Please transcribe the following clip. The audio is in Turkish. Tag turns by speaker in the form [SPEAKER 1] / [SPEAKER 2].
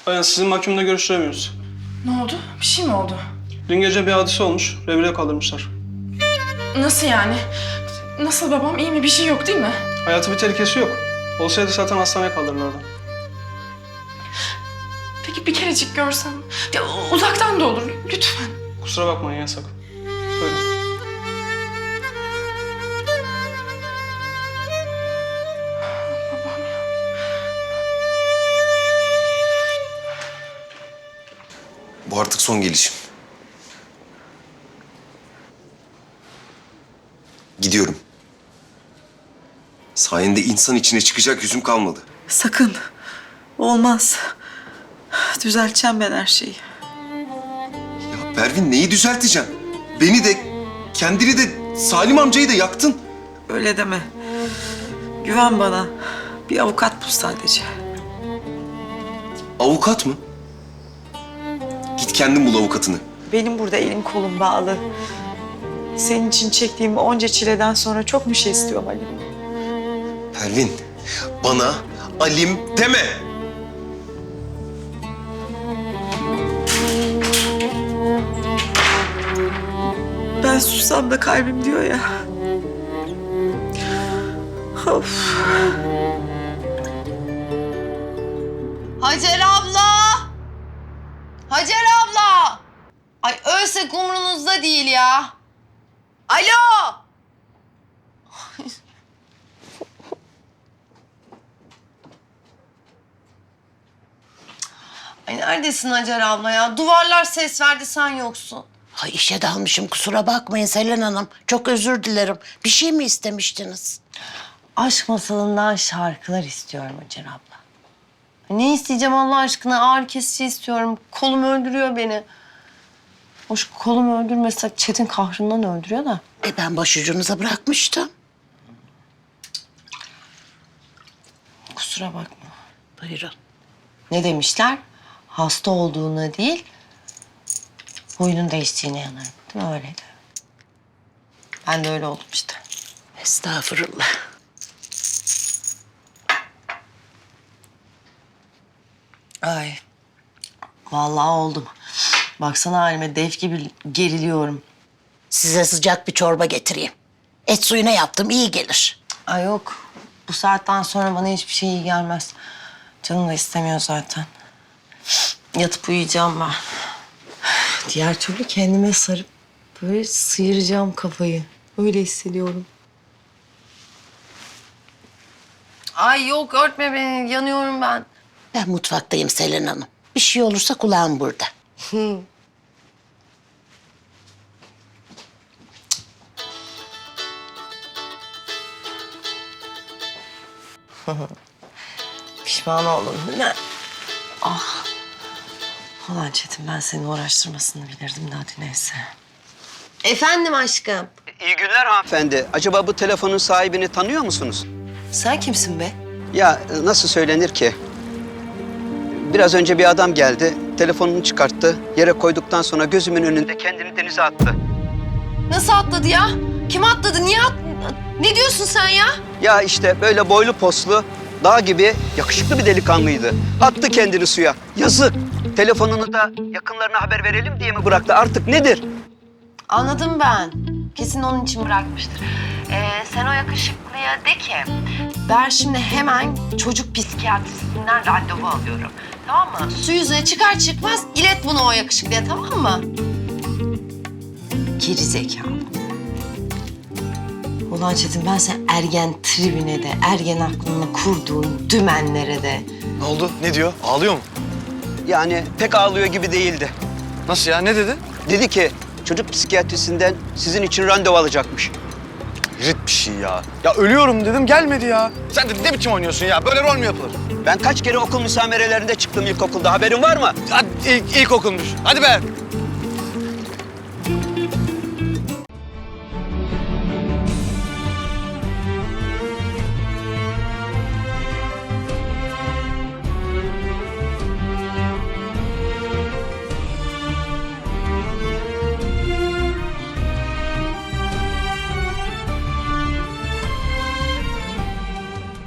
[SPEAKER 1] Bayan sizin mahkumla görüştüremiyoruz.
[SPEAKER 2] Ne oldu? Bir şey mi oldu?
[SPEAKER 1] Dün gece bir hadise olmuş. Revire kaldırmışlar.
[SPEAKER 2] Nasıl yani? Nasıl babam? İyi mi? Bir şey yok değil mi?
[SPEAKER 1] Hayatı bir tehlikesi yok. Olsaydı zaten hastaneye kaldırırlardı.
[SPEAKER 2] Peki bir kerecik görsem? Ya, uzaktan da olur. Lütfen.
[SPEAKER 1] Kusura bakmayın yasak. Buyurun.
[SPEAKER 2] Babam ya.
[SPEAKER 3] Bu artık son gelişim. Gidiyorum. Sayende insan içine çıkacak yüzüm kalmadı.
[SPEAKER 4] Sakın. Olmaz. Düzelteceğim ben her şeyi.
[SPEAKER 3] Ya Pervin neyi düzelteceğim? Beni de, kendini de, Salim amcayı da yaktın.
[SPEAKER 4] Öyle deme. Güven bana. Bir avukat bul sadece.
[SPEAKER 3] Avukat mı? Git kendin bul avukatını.
[SPEAKER 4] Benim burada elim kolum bağlı. Senin için çektiğim onca çileden sonra çok bir şey istiyorum Ali.
[SPEAKER 3] Pervin, bana Alim deme.
[SPEAKER 4] Ben sussam da kalbim diyor ya. Of.
[SPEAKER 5] Hacer abla! Hacer abla! Ay ölsek umrunuzda değil ya. Alo! Ay neredesin Hacer abla ya? Duvarlar ses verdi, sen yoksun.
[SPEAKER 6] Ay işe dalmışım, kusura bakmayın Selen Hanım. Çok özür dilerim. Bir şey mi istemiştiniz?
[SPEAKER 5] Aşk masalından şarkılar istiyorum Hacer abla. Ne isteyeceğim Allah aşkına? Ağrı kesici istiyorum. Kolum öldürüyor beni. Hoş kolumu öldürmesek Çetin kahrından öldürüyor da.
[SPEAKER 6] Ben başucunuza bırakmıştım.
[SPEAKER 5] Kusura bakma.
[SPEAKER 6] Buyurun.
[SPEAKER 5] Ne demişler? Hasta olduğuna değil, huyunun değiştiğine yanarım. Değil mi? Öyleydi. Ben de öyle oldum işte.
[SPEAKER 6] Estağfurullah.
[SPEAKER 5] Ay. Vallahi oldum. Baksana halime, dev gibi geriliyorum.
[SPEAKER 6] Size sıcak bir çorba getireyim. Et suyuna yaptım, iyi gelir.
[SPEAKER 5] Ay yok. Bu saatten sonra bana hiçbir şey iyi gelmez. Canım da istemiyor zaten. Yatıp uyuyacağım ben. Diğer türlü kendime sarıp böyle sıyıracağım kafayı. Öyle hissediyorum. Ay yok, örtme beni. Yanıyorum ben.
[SPEAKER 6] Ben mutfaktayım Selen Hanım. Bir şey olursa kulağım burada.
[SPEAKER 5] Pişman oldum değil mi? Ah. Ulan Çetin, ben seni uğraştırmasını bilirdim de hadi neyse. Efendim aşkım.
[SPEAKER 7] İyi günler hanımefendi. Acaba bu telefonun sahibini tanıyor musunuz?
[SPEAKER 5] Sen kimsin be?
[SPEAKER 7] Ya nasıl söylenir ki? Biraz önce bir adam geldi, telefonunu çıkarttı. Yere koyduktan sonra gözümün önünde kendini denize attı.
[SPEAKER 5] Nasıl atladı ya? Kim atladı? Niye Ne diyorsun sen ya?
[SPEAKER 7] Ya işte böyle boylu poslu, dağ gibi yakışıklı bir delikanlıydı. Attı kendini suya. Yazık. Telefonunu da yakınlarına haber verelim diye mi bıraktı? Artık nedir?
[SPEAKER 5] Anladım ben. Kesin onun için bırakmıştır. Sen o yakışıklıya de ki, ben şimdi hemen çocuk psikiyatristinden randevu alıyorum. Tamam mı? Su yüzüne çıkar çıkmaz ilet bunu o yakışıklıya, tamam mı? Geri zekalı. Ulan Çetin, ben sen ergen tribine de, ergen aklına kurduğun dümenlere de...
[SPEAKER 8] Ne oldu? Ne diyor? Ağlıyor mu?
[SPEAKER 7] Yani pek ağlıyor gibi değildi.
[SPEAKER 8] Nasıl ya? Ne dedi?
[SPEAKER 7] Dedi ki çocuk psikiyatrisinden sizin için randevu alacakmış.
[SPEAKER 8] Rit bir şey ya. Ya ölüyorum dedim, gelmedi ya. Sen de ne biçim oynuyorsun ya? Böyle rol mü yapılır?
[SPEAKER 7] Ben kaç kere okul müsamerelerinde çıktım ilkokulda, haberin var mı?
[SPEAKER 8] Hadi ilkokulmuş. Hadi be.